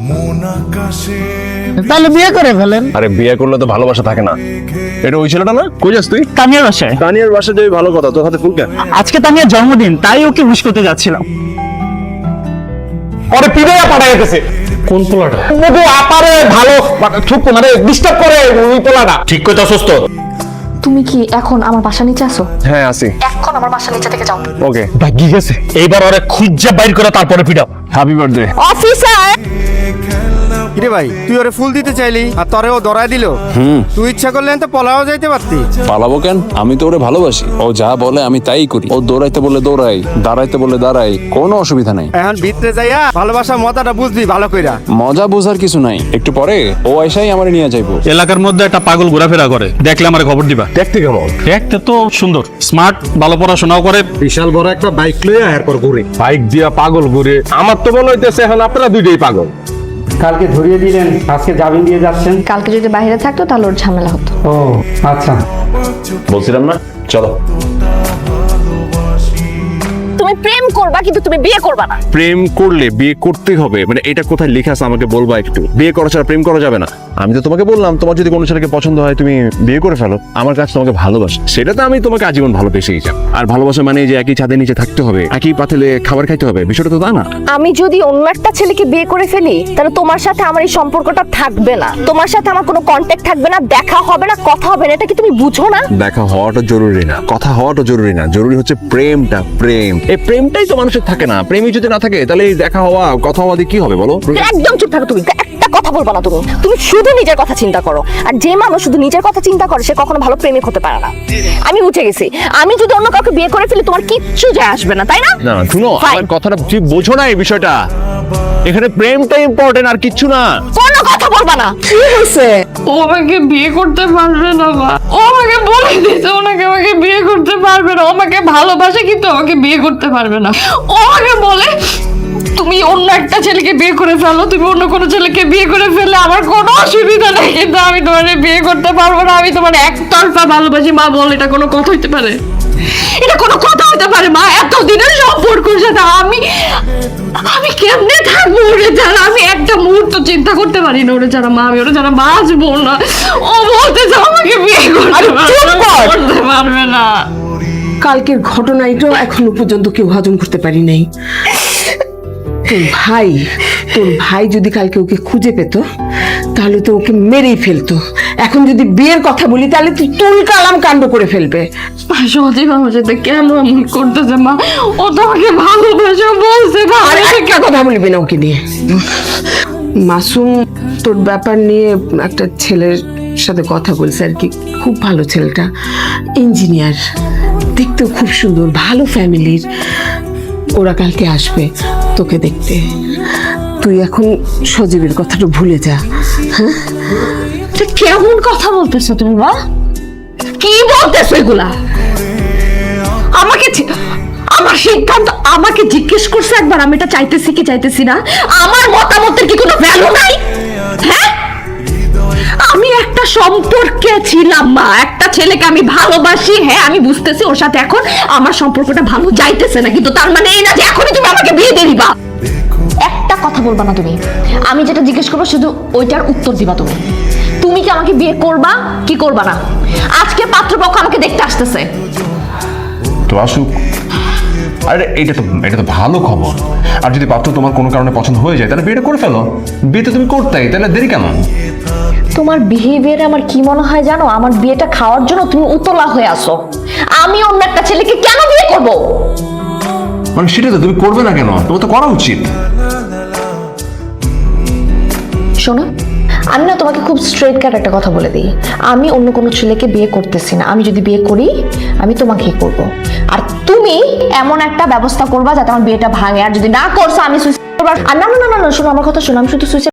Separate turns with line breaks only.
তাহলে বিয়ে করে ফেলেন।
আরে বিয়ে করলে তো ভালোবাসা থাকে না। এটা ওই ছেলেটা না? কই যাস তুই?
তানিয়ার বাসায়।
তানিয়ার বাসা যাবি ভালো কথা, তোর হাতে ফুল কেন?
আজকে তানিয়ার জন্মদিন, তাই ওকে উইশ করতে যাচ্ছিলাম।
পরে পিড়াইয়া পাঠাই গেছে। কোন পোলাটা? মধু আপারে ভালো খুব মানে ডিস্টার্ব করে ওই পোলাটা। ঠিক কইতা সুস্থ।
তুমি কি এখন আমার বাসা নিচে আসো?
হ্যাঁ আসি।
এখন আমার বাসা নিচে থেকে যাও।
ওকে।
ভাগি গেছে। এইবার ওরে খুঁজা বাইর করে তারপরে পিড়াও।
Happy birthday.
অফিসার
কিরে ভাই, তুই ওরে ফুল দিতে চাইলি আর তরে ও ধরায় দিল। তুই ইচ্ছা করলেন তো পলাও যাইতে পারতি।
পালাবো কেন? আমি তো ওরে ভালোবাসি। ও যা বলে আমি তাই করি। ও দৌড়াইতে বলে দৌড়াই, দাঁড়াইতে বলে দাঁড়াই, কোনো অসুবিধা নাই।
এখন ভিতরে যাইয়া ভালোবাসা মজাটা বুঝবি ভালো কইরা।
মজা বোঝার কিছু নাই। একটু পরে ও আইসাই আমারে নিয়ে যাইবো।
এলাকার মধ্যে একটা পাগল ঘোরাফেরা করে, দেখলে আমার খবর দিবা।
দেখতে কেমন?
দেখতে তো সুন্দর, স্মার্ট, ভালো পড়াশোনাও করে।
বিশাল বড় একটা বাইক লইয়া এরপর ঘুরে।
বাইক দিয়া পাগল ঘুরে? আমার তো মনে হইতেছে এখন আপনারা দুইটাই পাগল।
কালকে ধরিয়ে দিলেন, আজকে জামিন দিয়ে যাচ্ছেন।
কালকে যদি বাইরে থাকতো তাহলে ওর ঝামেলা হতো।
ও আচ্ছা,
বলছিলাম না, চলো।
তুমি প্রেম করবা কিন্তু তুমি বিয়ে করবা না।
প্রেম করলে বিয়ে করতে হবে, মানে এটা কোথায় লেখা আছে আমাকে বলবা একটু? বিয়ে করা ছাড়া প্রেম করা যাবে না। আমি তো তোমাকে বললাম, তোমার যদি কোনো ছেলেকে পছন্দ হয় তুমি বিয়ে করে ফেলো। আমার কাছে তোমাকে ভালোবাসে, সেটা তো আমি তোমাকে আজীবন ভালোবেসেই যাব। আর ভালোবাসা মানে যে একই ছাদের নিচে থাকতে হবে, একই পাতিলে খাবার খাইতে হবে, বিষয়টা তো তা না।
আমি যদি অন্য একটা ছেলেকে বিয়ে করে ফেলি তাহলে তোমার সাথে আমার এই সম্পর্কটা থাকবে না, তোমার সাথে আমার কোনো কন্ট্যাক্ট থাকবে না, দেখা হবে না, কথা হবে না। এটা কি তুমি বুঝো না?
দেখা হওয়াটা জরুরি না, কথা হওয়াটা জরুরি না, জরুরি হচ্ছে প্রেমটা। প্রেম, এই প্রেমটাই তো মানুষের থাকে না। প্রেমই যদি না থাকে তাহলে এই দেখা হওয়া কথা হওয়া দিয়ে কি হবে বলো?
একদম চুপ থাকো, তুমি একটা কথা বলবা না। তুমি শুধু নিজের কথা চিন্তা করো, আর যে মানুষ শুধু নিজের কথা চিন্তা করে সে কখনো ভালো প্রেমিক হতে পারে না। আমি বুঝে গেছি, আমি যদি অন্য কাউকে বিয়ে করে ফেলি তোমার কিচ্ছু যায় আসবে না, তাই না?
না শুনো, আমার কথাটা ঠিক বোঝো না এই বিষয়টা। এখানে প্রেমটা ইম্পর্টেন্ট আর কিচ্ছু না।
কোনো কথা বলবা না। কি হয়েছে?
ও আমাকে বিয়ে করতে পারবে না মা। ও আমাকে বলে দিয়েছে ওনাকে আমাকে বিয়ে করতে পারবে না। ও আমাকে ভালোবাসে কিন্তু আমাকে বিয়ে করতে পারবে না। ও আমাকে বলে তুমি অন্য একটা ছেলেকে বিয়ে করে ফেলো, তুমি অন্য কোনো ছেলেকে বিয়ে করে ফেললে আমার কোনো অসুবিধা নেই, কিন্তু আমি তোমার বিয়ে করতে পারবো না। আমি তোমার একতরফা ভালোবাসি। মা বল, এটা কোনো কথা হইতে পারে? এটা কোনো কথা হইতে পারে মা? এতদিনের সম্পর্কের সাথে আমি কেমনে থাকবো ওরে ছাড়া? আমি একটা মুহূর্ত চিন্তা করতে পারি না ওরে ছাড়া মা। আমি ওরে ছাড়া বাঁচবো না। ও বলতেছে আমাকে বিয়ে করতে পারবে না।
কালকের ঘটনা এটা এখনো পর্যন্ত কেউ হজম করতে পারি নাই। তোর ভাই যদি কালকে ওকে খুঁজে পেত তাহলে তো ওকে মেরেই ফেলতো। এখন যদি বিয়ের কথা বলি তাহলে তুই কালাম কাণ্ড করে ফেলবে।
সজীব আমার সাথে কেন এমন করতেছে মা? ও তো আমাকে ভালোবাসে বলছে না।
আর একটা কথা বলবি না ওকে নিয়ে। মাসুম তোর ব্যাপার নিয়ে একটা ছেলের সাথে কথা বলছে আর কি। খুব ভালো ছেলেটা, ইঞ্জিনিয়ার, দেখতেও খুব সুন্দর, ভালো ফ্যামিলির। ওরা কালকে আসবে তোকে দেখতে। তুই এখন সজীবের কথাটা ভুলে যা। হ্যাঁ,
কেমন কথা বলতেছো তুমি মা? কি বলতেছো এগুলা? আমার সিদ্ধান্ত আমাকে জিজ্ঞেস করছে একবার আমি এটা চাইতেছি কি চাইতেছি না? আমার মতামতের কি কোনো ভ্যালু নাই? হ্যাঁ, আমি একটা সম্পর্কে ছিলাম মা, একটা ছেলেকে আমি ভালোবাসি। হ্যাঁ আমি বুঝতেছি ওর সাথে এখন আমার সম্পর্কটা ভালো যাইতেছে না, কিন্তু তার মানে এই না যে এখনই তুমি আমাকে বিয়ে দিয়ে দিবা। একটা কথা বলবা না তুমি। আমি যেটা জিজ্ঞেস করবো শুধু ওইটার উত্তর দিবা তুমি। তুমি কি আমাকে বিয়ে করবা কি করবা না? আজকে পাত্রপক্ষ আমাকে দেখতে আসতেছে।
তো আসুক। আরে এটা তো ভালো খবর। আর যদি পাত্র তোমার কোনো কারণে পছন্দ হয়ে যায় তাহলে বিয়েটা করে ফেলো। বিয়ে তো তুমি করতেই, তাহলে দেরি কেন?
তোমার বিহেভিয়ারে আমার কি মনে হয় জানো? আমার বিয়েটা খাওয়ার জন্য তুমি উতলা হয়ে আসো। আমি অন্য একটা ছেলেকে কেন বিয়ে করব?
মানে সেটা তো তুমি করবে না কেন? তোমার তো করা উচিত।
শোনো, আমি না তোমাকে খুব স্ট্রেট কাট একটা কথা বলে দিই। আমি অন্য কোনো ছেলেকে বিয়ে করতেছি না। আমি যদি বিয়ে করি আমি তোমাকেই করব। আর তুমি এমন একটা ব্যবস্থা করবা যাতে আমার বিয়েটা ভাঙে। আর যদি না করছো আমি সুইসাইড করব। আর না না না না, শোনো আমার কথা শোনো, আমি শুধু সুইসাইড